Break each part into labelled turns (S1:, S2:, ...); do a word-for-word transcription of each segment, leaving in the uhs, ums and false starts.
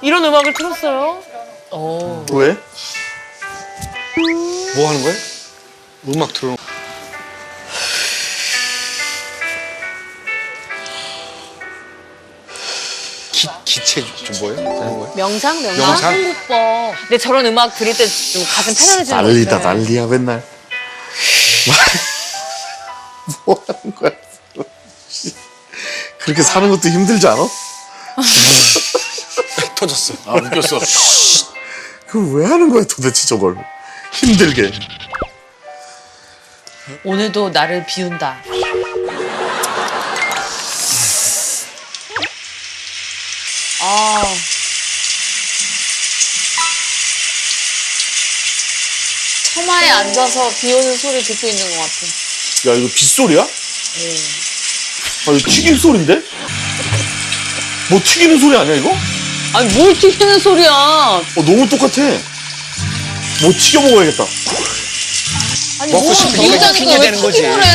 S1: 이런 음악을 틀었어요? 오.
S2: 왜? 뭐 하는 거야? 음악 틀어. 기, 기체 좀 뭐예요? 하는 거예요?
S1: 명상? 명상?
S2: 명상?
S1: 한국법. 근데 저런 음악 들을 때 좀 가슴 편안해지는 거
S2: 난리다
S1: 같아요.
S2: 난리야 맨날. 뭐 하는 거야? 그렇게 사는 것도 힘들지 않아?
S3: 터졌어. 아, 웃겼어.
S2: 그걸 왜 하는 거야 도대체 저걸? 힘들게.
S1: 오늘도 나를 비운다. 아. 처마에 앉아서 비 오는 소리 듣고 있는 것 같아.
S2: 야 이거 빗소리야?
S1: 네.
S2: 아 이거 튀김 소리인데? 뭐 튀기는 소리 아니야 이거?
S1: 아니 뭘 튀기는 소리야.
S2: 어 너무 똑같아. 뭐 튀겨 먹어야겠다.
S1: 아니
S3: 먹고
S1: 뭐
S3: 싶으니까
S1: 비우자니까
S3: 튀겨야
S1: 왜
S3: 되는 거지.
S1: 튀김을 해.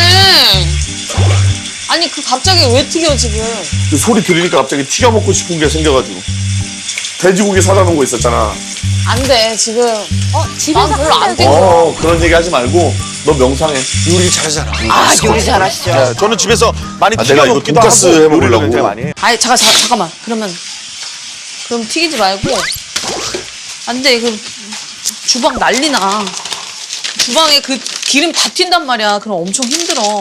S1: 아니 그 갑자기 왜 튀겨 지금.
S2: 그 소리 들으니까 갑자기 튀겨 먹고 싶은 게 생겨가지고. 돼지고기 사다 놓은 거 있었잖아.
S1: 안 돼 지금. 어 집에서 별로 안 튀겨.
S2: 어 그런 얘기 하지 말고 너 명상해.
S3: 요리 잘하잖아.
S1: 아 요리 잘하시죠.
S3: 네, 저는 집에서 많이
S2: 아,
S3: 튀겨
S2: 내가 이거
S3: 먹기도
S2: 돈가스
S3: 하고
S2: 해먹으려고.
S3: 요리를 굉장히 많이 해.
S1: 아니 잠깐 잠깐 잠깐만 그러면 그럼 튀기지 말고 안돼 그 주방 난리나. 주방에 그 기름 다 튄단 말이야. 그럼 엄청 힘들어.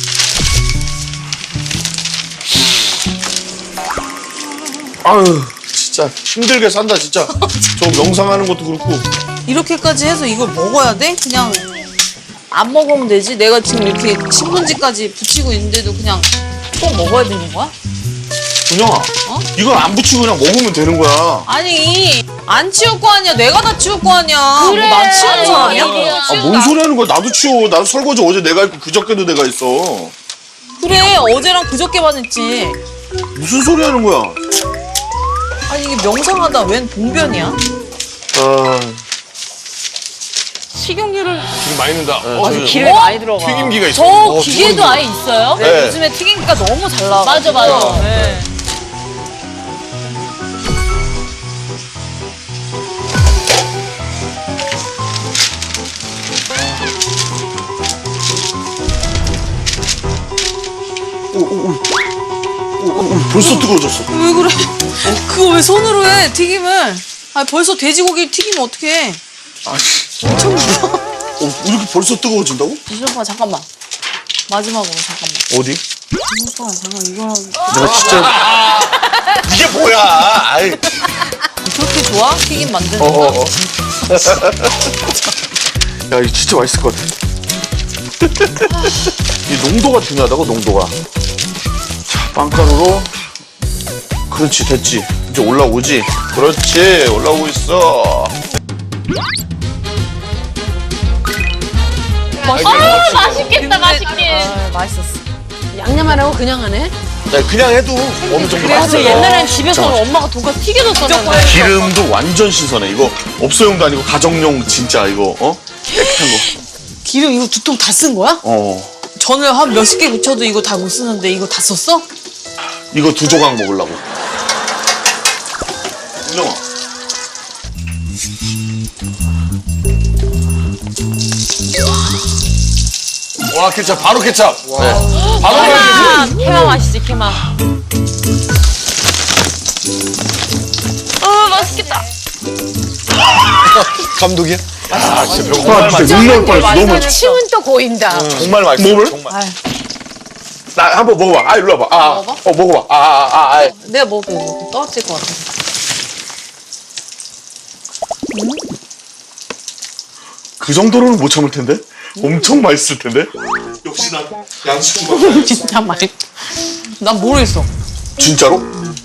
S2: 아유 진짜 힘들게 산다 진짜. 저 명상하는 것도 그렇고.
S1: 이렇게까지 해서 이걸 먹어야 돼? 그냥 안 먹으면 되지. 내가 지금 이렇게 신문지까지 붙이고 있는데도 그냥 꼭 먹어야 되는 거야?
S2: 준영아
S1: 어?
S2: 이건 안 붙이고 그냥 먹으면 되는 거야.
S1: 아니 안 치울 거 아니야. 내가 다 치울 거 아니야.
S4: 그래.
S1: 뭐난 치우는 사람이야?
S2: 아 뭔 소리 하는 거야. 나도 치워. 나도 설거지 어제 내가 했고 그저께도 내가 했어.
S1: 그래 어제랑 그저께만 했지.
S2: 무슨 소리 하는 거야.
S1: 아니 이게 명상하다 웬 봉변이야?
S2: 아
S1: 식용유를
S3: 기름 많이 넣는다. 어,
S2: 저-
S3: 저기
S1: 기름이 많이 들어가.
S3: 튀김기가 있어.
S4: 저
S3: 어,
S4: 기계도
S3: 튀김기.
S4: 아예 있어요?
S1: 네,
S2: 네.
S1: 요즘에 튀김기가 너무 잘 나와.
S4: 맞아, 맞아.
S1: 네.
S2: 벌써 뜨거워졌어.
S1: 왜 그래? 그거 왜 손으로 해? 튀김을? 아 벌써 돼지고기 튀기면 어떡해?
S2: 아씨.
S1: 엄청 무서워.
S2: 어, 이렇게 벌써 뜨거워진다고?
S1: 이준오빠 잠깐만. 마지막으로 잠깐만.
S2: 어디?
S1: 이준오빠 잠깐 이거랑
S2: 내가 진짜 이게 뭐야? 아이.
S1: 그렇게 좋아? 튀김 만드는
S2: 어,
S1: 거?
S2: 어, 어. 야, 이거 진짜 맛있을 것 같아. 이 농도가 중요하다고, 농도가. 자, 빵가루로. 그렇지, 됐지. 이제 올라오지. 그렇지, 올라오고 있어.
S4: 아, 맛있겠다, 맛있게.
S1: 아, 맛있었어.
S4: 양념 안 하고 그냥 하네?
S2: 야, 그냥 해도 어느 정도
S4: 맞아,
S2: 맛있어.
S4: 옛날엔 집에서 엄마가 돈가스 튀겨줬었잖아.
S2: 기름도 완전 신선해. 이거 업소용도 아니고 가정용 진짜 이거, 어? 깨끗한 거.
S1: 기름 이거 두 통 다 쓴 거야?
S2: 어.
S1: 전을 한 몇십 개 묻혀도 이거 다 못 쓰는데 이거 다 썼어?
S2: 이거 두 조각 먹으려고. 은영아.
S3: 와, 케찹. 바로 케찹. 네. 바로
S4: 케마,
S3: 케찹.
S4: 케마 맛이지, 케마. 어, 맛있겠다.
S3: 감독이야? 아, 진짜 배고파.
S2: 아, 진짜 눈 나올 뻔했어. 너무 맛있어.
S4: 침은 또 고인다.
S3: 정말 맛있어.
S2: 뭐를?
S3: 정말.
S2: 나 한번 먹어봐. 아, 일로 와봐. 아,
S1: 먹어봐?
S2: 어, 먹어봐. 아, 아, 아, 아.
S1: 내가 먹을게 이거 떨어질 것 같아.
S2: 그 정도로는 못 참을 텐데? 엄청 맛있을 텐데? 역시 난 양식은
S1: 진짜 맛있. 난 모르겠어.
S2: 진짜로?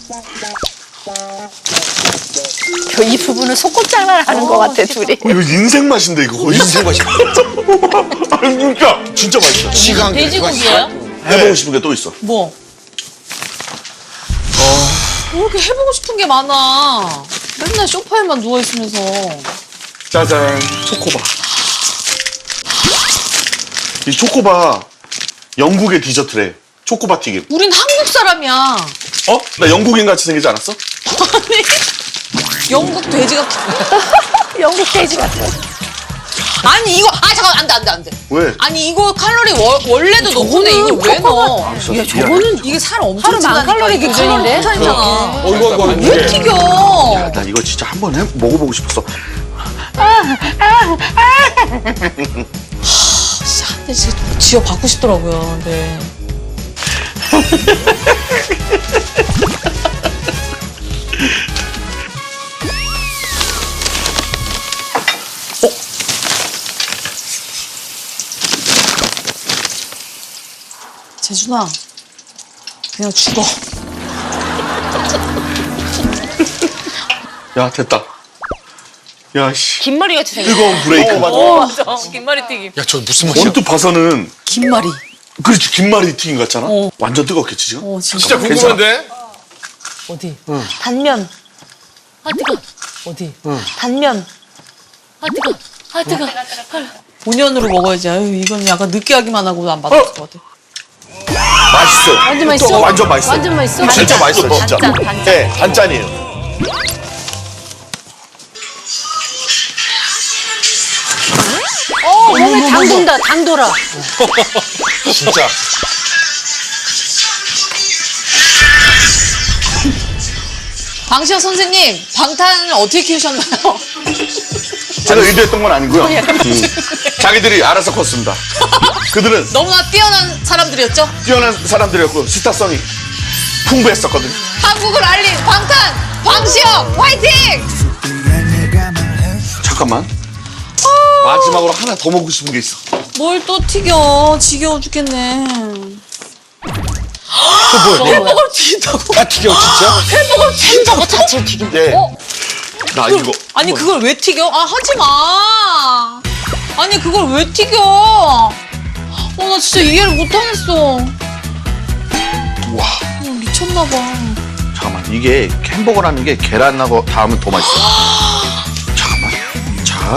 S4: 이 부분은 소꿉장난을 하는 것 같아, 둘이.
S2: 어, 이거 인생 맛인데 이거 거의?
S3: 인생 맛이야.
S2: 아니 진짜 진짜 맛있어.
S3: 지가 한 개.
S4: 돼지고기예요?
S2: 해보고 싶은 게 또 있어.
S1: 뭐? 왜 이렇게 해보고 싶은 게 많아? 맨날 소파에만 누워 있으면서.
S2: 짜잔, 초코바. 이 초코바 영국의 디저트래. 초코바 튀김.
S1: 우린 한국 사람이야.
S2: 어? 나 영국인 같이 생기지 않았어?
S1: 아니. 영국 돼지 같아.
S4: 영국 돼지 같아.
S1: 아니 이거 아 잠깐 안돼 안돼 안돼.
S2: 왜?
S1: 아니 이거 칼로리 월, 원래도 높은데 이거 왜 넣어?
S2: 야, 저거는
S1: 이게 살 엄청
S4: 하루 만
S1: 찐다니까.
S4: 칼로리
S1: 이게
S4: 기준인데?
S1: 칼로리 폭탄이잖아.
S3: 어, 이거, 이거.
S1: 왜 튀겨?
S2: 나 이거 진짜 한번 해 먹어보고 싶었어.
S1: 진짜 한 대 진짜 지어 받고 싶더라고요. 네. 어? 재준아, 그냥 죽어.
S2: 야 됐다. 야 씨.
S4: 김머리 같이 생겼어.
S2: 뜨거운 브레이크.
S1: 오, 김말이 튀김.
S3: 야, 저 무슨 맛이야?
S2: 언뜻 봐서는
S1: 김말이.
S2: 그렇지 김말이 튀긴 것 같잖아.
S1: 어.
S2: 완전 뜨겁겠지 지금.
S1: 어, 진짜.
S3: 진짜 궁금한데?
S4: 어디? 단면. 아 뜨거. 어디? 단면. 아 뜨거. 아 뜨거.
S1: 본연으로 먹어야지. 아유, 이건 약간 느끼하기만 하고 안 받을 것 같아.
S2: 맛있어.
S4: 완전 맛있어?
S2: 완전 맛있어.
S4: 완전 맛있어?
S2: 진짜 맛있어 진짜.
S4: 단짠, 단짠.
S2: 네 단짠이에요.
S4: 어, 몸에 당 돈다, 당 돌아.
S3: 진짜.
S1: 방시혁 선생님, 방탄을 어떻게 키우셨나요?
S2: 제가 의도했던 건 아니고요. 음. 자기들이 알아서 컸습니다. 그들은
S1: 너무나 뛰어난 사람들이었죠?
S2: 뛰어난 사람들이었고 스타성이 풍부했었거든요.
S1: 한국을 알린 방탄! 방시혁! 화이팅!
S2: 잠깐만. 마지막으로 하나 더 먹고 싶은 게 있어.
S1: 뭘 또 튀겨. 지겨워 죽겠네.
S3: 또 뭐야?
S1: 햄버거를 튀긴다고?
S3: 아, 튀겨, 진짜?
S1: 햄버거를 튀긴다고? 자체를 튀긴
S2: 예.
S1: 어?
S2: 나 이거.
S1: 아니 그걸 왜 튀겨? 아 하지 마. 아니 그걸 왜 튀겨? 어 나 진짜 이해를 못하겠어.
S2: 와.
S1: 어, 미쳤나 봐.
S2: 잠깐만 이게 햄버거라는 게 계란하고 닿으면 더 맛있어. 잠깐만. 자.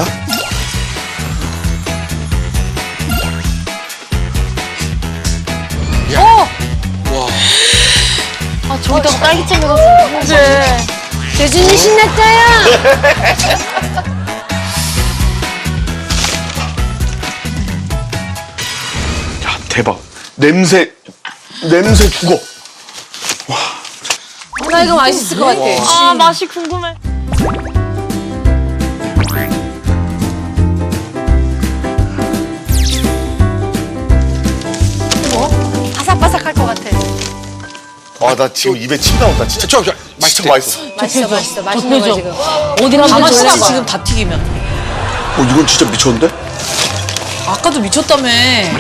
S4: 아, 저기다가 딸기잼 넣었어. 그래. 재준이 신났어요.
S2: 야 대박. 냄새 냄새 죽어.
S4: 나 이거 맛있을 것 같아.
S1: 아 맛이 궁금해.
S4: 바삭바삭할 것 같아.
S2: 아 나 지금 입에 침 나온다 진짜.
S3: 저, 저,
S2: 진짜 맛있어.
S4: 맛있어, 맛있어. 맛있는 거야, 지금. 어디
S1: 다
S4: 한번
S1: 맛있지
S4: 졸라봐.
S1: 지금 다 튀기면.
S2: 어 이건 진짜 미쳤는데?
S1: 아까도 미쳤다며.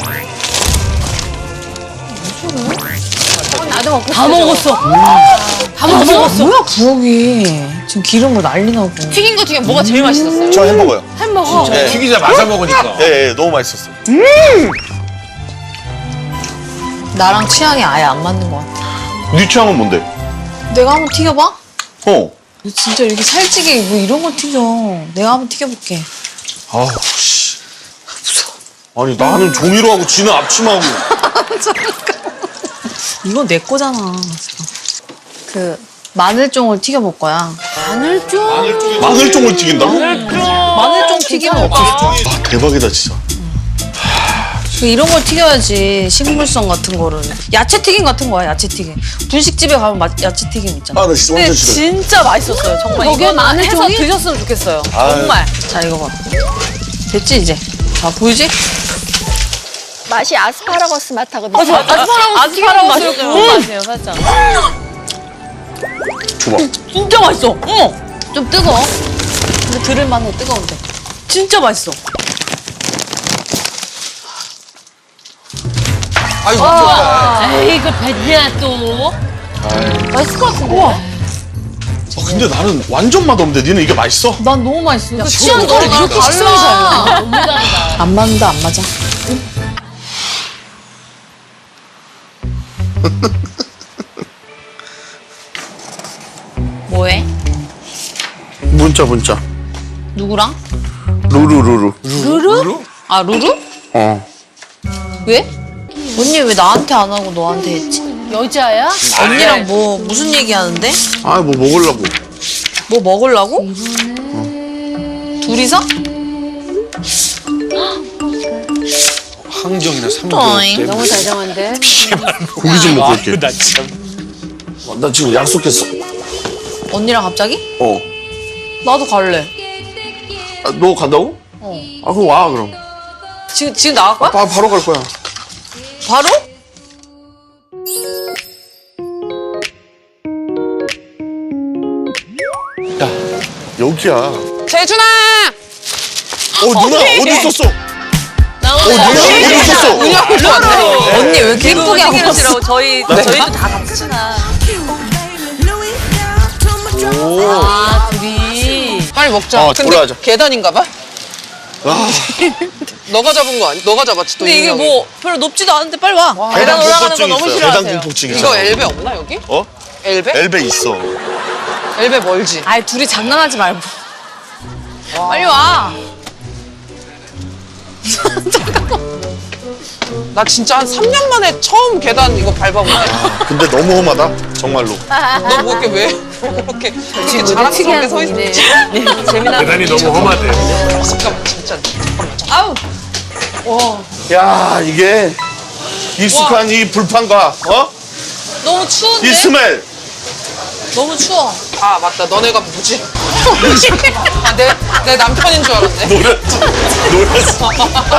S4: 나도 먹고
S1: 다 먹었어. 다 먹었어. 뭐야 부엌이. 지금 기름으로 난리 나고. 튀긴 거 중에 뭐가 제일 맛있었어요?
S2: 저 햄버거요.
S4: 햄버거.
S2: 네.
S3: 튀기자마자 먹으니까.
S2: 예, 예 너무 맛있었어.
S1: 나랑 취향이 아예 안 맞는 것 같아.
S2: 네 취향은 뭔데?
S1: 내가 한번 튀겨봐?
S2: 어.
S1: 진짜 이렇게 살찌게 뭐 이런 걸 튀겨. 내가 한번 튀겨볼게.
S2: 아우 씨. 무서워. 아니 나는 종이로 하고 지는 앞치마하고.
S1: 이건 내 거잖아. 그 마늘종을 튀겨볼 거야.
S4: 마늘종?
S2: 마늘종을 튀긴다고?
S1: 마늘종 튀김은 없었어.
S2: 아 대박이다 진짜.
S1: 그 이런 걸 튀겨야지. 식물성 같은 거를. 야채 튀김 같은 거야. 야채 튀김. 분식집에 가면 마, 야채 튀김 있잖아.
S2: 아 나 진짜 완전 싫어.
S1: 진짜 맛있었어요. 정말
S4: 거기에
S1: 이거는
S4: 마늘종이?
S1: 해서 드셨으면 좋겠어요.
S2: 아유.
S1: 정말. 자 이거 봐. 됐지 이제. 자 보이지?
S4: 맛이 아스파라거스 맛하거든.
S1: 아스파라거스 아스파라거스 그런 맛이에요 살짝.
S2: 줘봐.
S1: 진짜 맛있어. 어머. 좀 뜨거워. 근데 들을만해 뜨거운데. 진짜 맛있어.
S3: 아이고,
S4: 에이, 이거 뱉냐, 또. 맛있을 것 같은데?
S2: 아, 근데 나는 완전 맛없는데 니는 이게 맛있어?
S1: 난 너무 맛있어.
S4: 취향 너랑 이렇게 식성이 달라. 너무 다르다.
S1: 안 맞는다 안 맞아. 뭐해?
S2: 문자 문자.
S1: 누구랑?
S2: 루루루루.
S1: 루루? 아 루루?
S2: 어.
S1: 왜? 언니 왜 나한테 안 하고 너한테 했지?
S4: 여자야?
S1: 언니랑 뭐 무슨 얘기하는데?
S2: 아 뭐 먹으려고.
S1: 뭐 먹으려고? 둘이서?
S3: 항정이나 삼겹.
S1: 또잉.
S4: 너무 다정한데?
S2: 고기 좀 먹고 올게.
S3: 나 참. 나 지금 약속했어.
S1: 언니랑 갑자기?
S2: 어.
S1: 나도 갈래.
S2: 아, 너 간다고?
S1: 어.
S2: 아 그럼 와 그럼.
S1: 지금 지금 나갈 거야?
S2: 바, 바로 갈 거야.
S1: 바로?
S2: 여기야.
S5: 재준아!
S2: 어 누나 어디 있었어?
S4: 나
S2: 어
S4: 오늘
S2: 누나 어디 있었어?
S5: 은영이도 왔네.
S1: 언니 왜 이렇게 예쁘게 하고 왔어?
S5: 생일이라고 저희 저희도 다 같이 친한.
S4: 아, 둘이.
S5: 빨리 먹자.
S2: 어,
S5: 근데
S2: 돌아가자.
S5: 계단인가 봐?
S2: 아,
S5: 너가 잡은 거 아니? 너가 잡았지 또.
S1: 근데 이게
S5: 은영이.
S1: 뭐 별로 높지도 않은데 빨리 와.
S5: 계단 올라가는 거
S2: 공포증
S5: 너무
S2: 있어요.
S5: 싫어하세요.
S2: 계단 공포증 있어.
S5: 이거 엘베 없나 여기?
S2: 어?
S5: 엘베?
S2: 엘베 있어.
S5: 엘베 멀지?
S1: 아이 둘이 장난하지 말고. 빨리 와.
S5: 나 진짜 한 삼 년 만에 처음 계단 이거 밟아보네.
S2: 근데 너무 험하다. 정말로.
S5: 너 뭐 이렇게 왜 그렇게 이렇게 자랑스럽게 서 있어? 재미나.
S3: 계단이 너무 험하대.
S5: 잠깐만 진짜.
S1: 아우.
S2: 야 이게 익숙한 이 불판과 어?
S1: 너무 추운데?
S2: 이 스멜.
S1: 너무 추워.
S5: 아 맞다. 너네가 뭐지? 아, 내, 내 남편인 줄 알았네.
S2: 노렸지. 노렸어.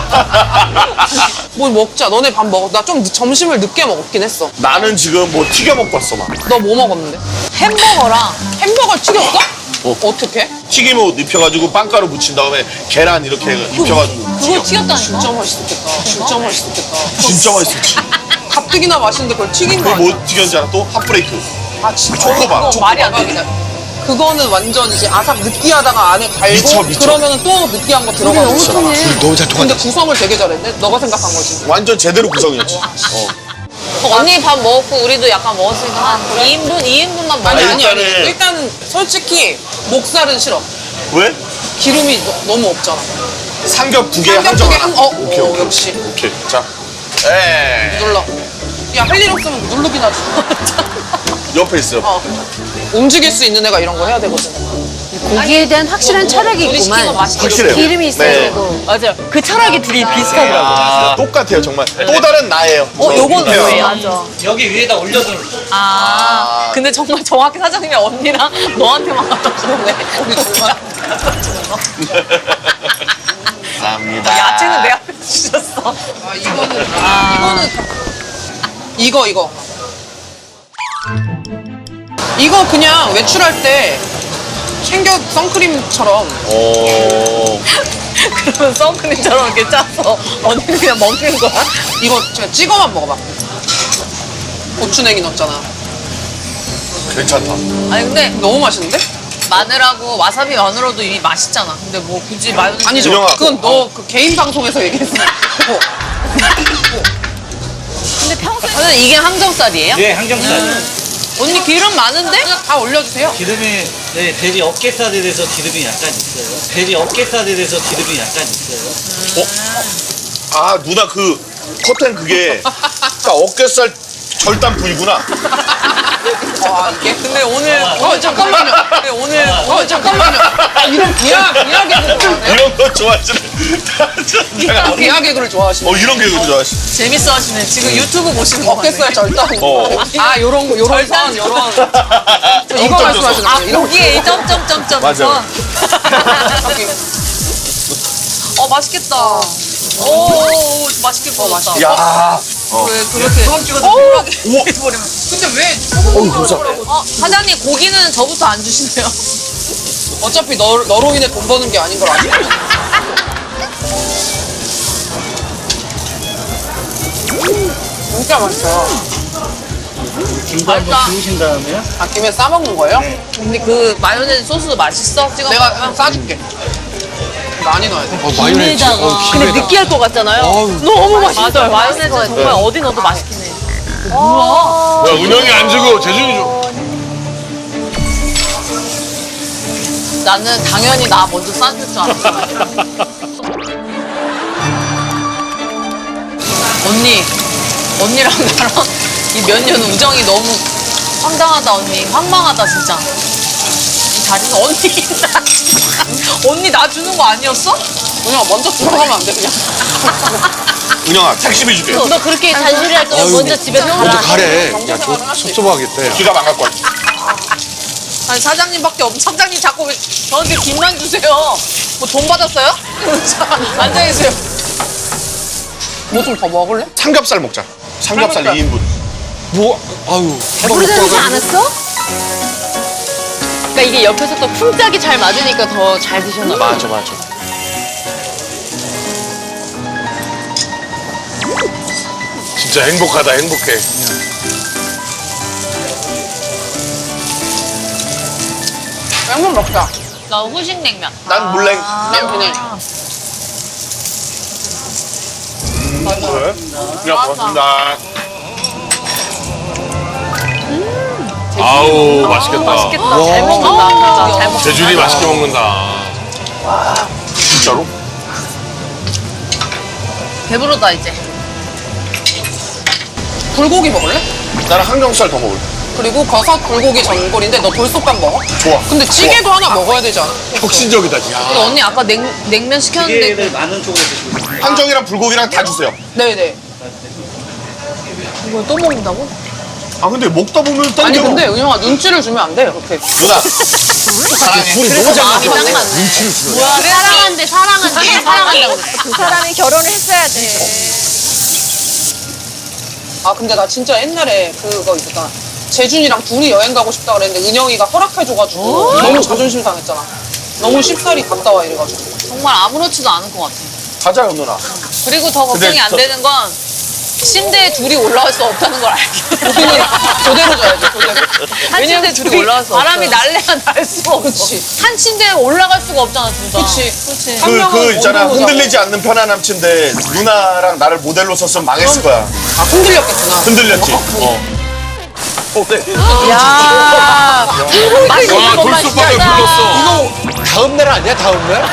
S5: 뭘 먹자. 너네 밥 먹어. 나 좀 점심을 늦게 먹긴 했어.
S2: 나는 지금 뭐 튀겨 먹고 왔어 막.
S5: 너 뭐 먹었는데?
S1: 햄버거랑
S5: 햄버거를 튀겼어? 어. 어떻게?
S2: 튀김옷 입혀가지고 빵가루 묻힌 다음에 계란 이렇게 입혀가지고
S1: 그거
S2: 튀겨.
S1: 튀겼다니까.
S5: 진짜 맛있었겠다. 진짜 맛있었겠다.
S2: 진짜 맛있었지.
S5: 가뜩이나 맛있는데 그걸 튀긴 거
S2: 그걸
S5: 아니야?
S2: 뭐 튀겼는지 알아? 또 핫브레이크.
S5: 아 진짜
S2: 초코바.
S5: 그거 말이 안 되긴 해. 그거는 완전 이제 아삭 느끼하다가 안에 갈고
S2: 미쳐, 미쳐.
S5: 그러면은 또 느끼한 거 들어가고
S4: 너무 통해.
S2: 너무 잘
S5: 근데 구성을 되게 잘했네. 너가 생각한 거지.
S2: 완전 제대로 구성이었지. 어.
S1: 언니 밥 먹었고 우리도 약간 먹었으니까 한 이 인분, 이 인분만 먹어.
S5: 아니 아니 아니.
S2: 일단은-
S5: 일단은 솔직히 목살은 싫어.
S2: 왜?
S5: 기름이 너, 너무 없잖아.
S2: 삼겹 두 개,
S5: 삼겹
S2: 한정
S5: 두 개
S2: 하나.
S5: 한- 어,
S2: 오케이,
S5: 어,
S2: 오케이.
S5: 역시.
S2: 오케이. 자. 에
S5: 눌러. 야 할 일 없으면 누르긴 하지.
S2: 옆에 있어요.
S5: 어. 움직일 수 있는 애가 이런 거 해야 되거든.
S4: 고기에 대한 확실한 철학이
S1: 우리 시킨 거
S4: 있구만.
S1: 맛있게.
S2: 확실해요.
S4: 기름이 있어야
S2: 네.
S4: 되고.
S1: 맞아요. 그 철학이 둘이 비슷하더라고.
S2: 아, 똑같아요, 정말. 또 다른 나예요.
S1: 어,
S2: 저
S1: 요건
S2: 밑에요.
S1: 뭐예요? 맞아.
S6: 여기 위에다 올려둔
S1: 아, 근데 정말 정확히 사장님이 언니랑 너한테만 갖다 주네.
S5: 우리 둘만.
S2: 감사합니다.
S1: 야채는 내 앞에 주셨어.
S5: 아 이거는 이거는 이거 이거 이거 그냥 외출할 때 챙겨 선크림처럼
S2: 오.
S1: 그러면 선크림처럼 이렇게 짜서 언니는 그냥 먹는 거야?
S5: 이거 제가 찍어만 먹어봐. 고추냉이 넣었잖아.
S2: 괜찮다.
S1: 아니 근데
S5: 너무 맛있는데?
S1: 마늘하고 와사비 마늘로도 이미 맛있잖아. 근데 뭐 굳이 마요네즈
S5: 아니죠.
S2: 진영아.
S5: 그건 너 그 개인 방송에서 얘기했어. 어.
S1: 근데 평소에 저는 이게 항정살이에요?
S6: 네 항정살
S1: 언니 기름 많은데?
S5: 그냥 다 올려주세요.
S6: 기름이 네, 돼지 어깨살에 대해서 기름이 약간 있어요 돼지 어깨살에 대해서 기름이 약간 있어요
S2: 아, 누나 그 커튼 그게 딱 어깨살 절단 부위구나.
S5: 아 이게
S1: 근데 오늘
S5: 어 잠깐만요.
S1: 근데 오늘
S5: 어 잠깐만요. 아, 이런 비하 비하 개그 좋아하네.
S2: 이런 거 좋아하시는. 제가
S5: 비하 개그를 좋아하시네.
S2: 어, 이런 개그 좋아하시네.
S1: 재밌어 하시네. 지금 유튜브 보시는 거
S5: 어깨살 절단.
S2: 어.
S5: 아 요런 거 요런 선 요런. 저 이거
S2: 점점
S5: 말씀하시는
S1: 아
S5: 거예요? 이런 거.
S1: 고기에 이 점점점점
S2: 맞아요.
S5: 저기.
S1: 어 맛있겠다. 오 맛있게 구웠다.
S2: 야.
S1: 왜 그렇게
S6: 소금 찍어서
S1: 쿨하게
S2: 우와.
S1: 해버리면.
S5: 근데 왜 조금
S1: 어 사장님 고기는 저부터 안 주시네요.
S5: 어차피 너, 너로 인해 돈 버는 게 아닌 걸 아시죠? 진짜 맛있어요.
S6: 김도 한번
S1: 맛있다.
S6: 주우신 다음에요
S5: 아끼면 싸먹는 거예요?
S1: 근데 그 마요네즈 소스도 맛있어? 찍어
S5: 내가
S1: 먹으면?
S5: 싸줄게. 많이 넣어야 돼.
S4: 김에다가.
S1: 근데 느끼할 것 같잖아요. 너무 맛있어요. 마요네즈 정말 어디 넣어도 맛있긴 해.
S3: 야, 은영이 안 주고 재준이 줘.
S1: 나는 당연히 나 먼저 싸줄 줄 알았어. 언니, 언니랑 나랑 이 몇 년 우정이 너무 황당하다 언니. 황망하다 진짜. 자리는 언니 나 언니 나 주는 거 아니었어?
S5: 그냥 먼저 들어가면 안 돼, 그냥.
S2: 은영아 택시비 줄게.
S4: 너 그렇게 잔소리 할 거면 먼저 집에 가라.
S3: 먼저 가래.
S5: 경제
S3: 야,
S5: 생활을
S3: 저
S5: 할수 있어.
S3: 섭섭하겠다. 야.
S2: 지갑 안 갖고 왔지.
S1: 아니 사장님밖에 없. 사장님 자꾸 왜 저한테 김만 주세요. 뭐 돈 받았어요? 자, 앉아 계세요.
S5: 뭐 좀 더 먹을래?
S2: 삼겹살 먹자. 삼겹살
S5: 삼겹살.
S2: 이 인분.
S3: 뭐, 아유.
S4: 부르지 않았어? 그러니까 이게 옆에서 또 풍짝이 잘 맞으니까 더 잘 드셨나 봐.
S3: 맞아, 맞아. 진짜 행복하다, 행복해.
S5: 냉면 먹자.
S1: 나 후식 냉면.
S2: 난 물냉.
S5: 난 그냥.
S2: 그래? 그냥 고맙습니다.
S3: 아우, 맛있겠다.
S1: 맛있겠다. 잘 먹는다. 진짜 잘 먹는다.
S3: 재준이 맛있게 먹는다.
S2: 진짜로?
S1: 배부르다 이제.
S5: 불고기 먹을래?
S2: 나는 항정살 더 먹을래.
S5: 그리고 버섯 불고기 전골인데 너 돌솥밥 먹어?
S2: 좋아.
S5: 근데 찌개도 하나 먹어야 되지 않아?
S3: 혁신적이다, 야.
S1: 근데 언니 아까 냉, 냉면 시켰는데
S6: 기계를 많은 쪽으로 드시고 있어요.
S2: 항정이랑 불고기랑 다 주세요.
S5: 네네.
S1: 이걸 또 먹는다고?
S2: 아 근데 먹다 보면 땡겨.
S5: 아니 근데 은영아 눈치를 주면 안 돼, 그렇게.
S2: 누나.
S3: 둘이 너무 잘
S1: 마음이
S3: 맞아.
S1: 딱 맞네.
S3: 눈치를 주네.
S4: 뭐야, 사랑한대, 사랑한대, 사랑한다고 그랬어.
S1: 그 사람이 결혼을 했어야 돼.
S5: 아 근데 나 진짜 옛날에 그거 있었잖아. 재준이랑 둘이 여행 가고 싶다 그랬는데 은영이가 허락해줘가지고 너무 자존심 상했잖아. 너무 쉽사리 갔다 와 이래가지고.
S1: 정말 아무렇지도 않을 것 같아.
S2: 가자 연누나.
S1: 그리고 더 걱정이
S2: 근데
S1: 안
S2: 저-
S1: 되는 건 침대에 둘이 올라갈 수 없다는 걸 알게.
S5: 우리는 조대로 줘야지 조대로.
S1: 한 침대에 둘이 올라갈 수 없어. 바람이 날래야 날 수가 없어.
S5: 그치.
S1: 한 침대에 올라갈 수가 없잖아, 둘 다.
S5: 그치.
S1: 그치.
S5: 한
S2: 그,
S5: 명은
S2: 그 있잖아
S5: 원룸으로
S2: 흔들리지 않는 편안함 침대 누나랑 나를 모델로 썼으면 망했을 거야.
S5: 아 흔들렸겠구나.
S2: 흔들렸지. 어.
S1: 야 맛있는
S3: 와,
S1: 것만
S3: 돌솥밥에
S1: 시켰다.
S3: 불렀어.
S7: 이거 다음 날 아니야? 다음 날?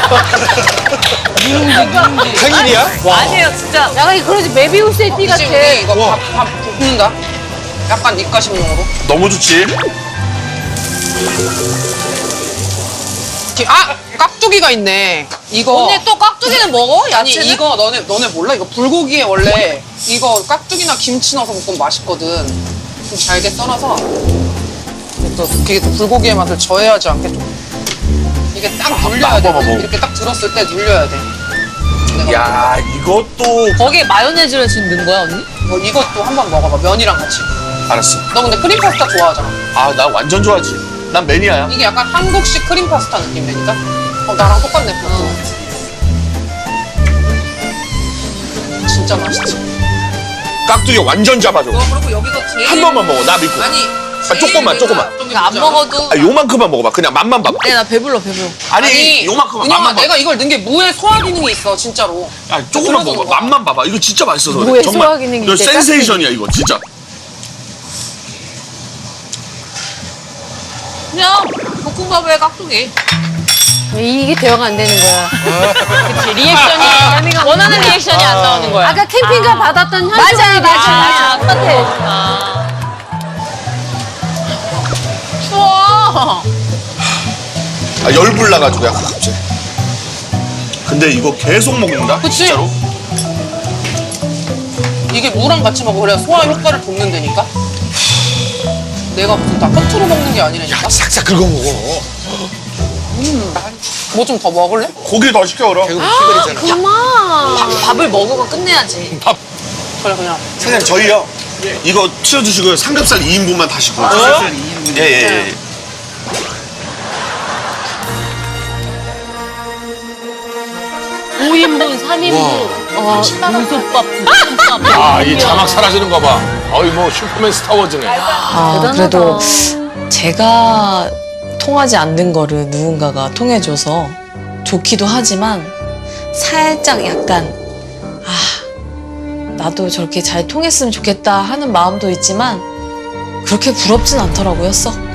S7: 생일이야?
S1: 아니에요, 진짜.
S4: 약간 그러지, 메비우스의 띠 같아.
S5: 혹시 우리 이거 밥, 밥 붓는다? 약간 입가심용으로.
S2: 너무 좋지.
S5: 이렇게- 아! 깍두기가 있네. 이거.
S1: 언니 또 깍두기는 먹어?
S5: 아니
S1: 야채는?
S5: 이거 너네 너네 몰라? 이거 불고기에 원래 이거 깍두기나 김치 넣어서 볶으면 맛있거든. 좀 잘게 썰어서 또 이게 또 불고기의 맛을 저해하지 않게 좀 이게 딱 눌려야 돼.
S2: 먹어, 먹어.
S5: 이렇게 딱 들었을 때 눌려야 돼. 내가
S2: 야 이것도
S1: 거기에 마요네즈를 지금 넣은 거야, 언니?
S5: 이거, 이것도 한번 먹어봐. 면이랑 같이.
S2: 알았어.
S5: 너 근데 크림 파스타 좋아하잖아.
S2: 아 나 완전 좋아하지. 난 매니아야.
S5: 이게 약간 한국식 크림 파스타 느낌이니까. 어 나랑 똑같네. 응. 진짜 맛있지.
S2: 깍두기 완전 잡아줘.
S5: 너 그리고 여기서 제일
S2: 한 번만 먹어. 나 믿고.
S5: 아니
S2: 아, 조금만, 조금만.
S1: 그러니까 안 먹어도.
S2: 아, 요만큼만 먹어봐. 그냥 맛만 봐봐.
S1: 아니, 나 배불러, 배불러.
S2: 아니,
S5: 아니
S2: 요만큼만
S5: 은영아
S2: 맛만 봐봐.
S5: 내가 이걸 넣은 게 무에 소화 기능이 있어 진짜로.
S2: 야, 조금만
S5: 그래서
S2: 먹어봐.
S5: 먹어.
S2: 맛만 봐봐. 이거 진짜 맛있어서 그래.
S4: 뭐에
S2: 정말.
S4: 소화 기능이
S2: 이거
S4: 있대,
S2: 센세이션이야 이거 진짜.
S1: 그냥 볶음밥에 깍두기.
S4: 이게 대화가 안 되는 거야. 그치, 리액션이, 원하는 리액션이 안 나오는 거야. 아까 캠핑가 받았던 현수의 리액션이 똑같아.
S1: 추워.
S2: 아, 열불 나가지고 약간 갑자기. 근데 이거 계속 먹는다?
S5: 그치?
S2: 진짜로?
S5: 이게 무랑 같이 먹어. 그래야 소화 효과를 돕는다니까. 내가 무슨 다 허투루 먹는 게 아니라니까.
S7: 싹싹 긁어 먹어.
S5: 뭐 좀 더 먹을래?
S2: 고기 더 시켜 그럼.
S7: 배고프 시간이잖아.
S4: 그만.
S1: 밥을 먹으면 끝내야지.
S5: 그래 그냥.
S2: 사장님 저희요. 이거 치워주시고요. 삼겹살 이 인분만 다시 구워주세요.
S6: 삼겹살 이 인분이요?
S2: 예예 예. 예.
S4: 오 인분, 삼 인분. 어, 물솥밥, 볶음밥.
S3: 아, 이 자막 사라지는 거 봐. 어이, 뭐, 슈퍼맨 스타워즈네.
S1: 아,
S4: 대단하다.
S1: 그래도 제가 통하지 않는 거를 누군가가 통해줘서 좋기도 하지만 살짝 약간 아 나도 저렇게 잘 통했으면 좋겠다 하는 마음도 있지만 그렇게 부럽진 않더라고요, 썩.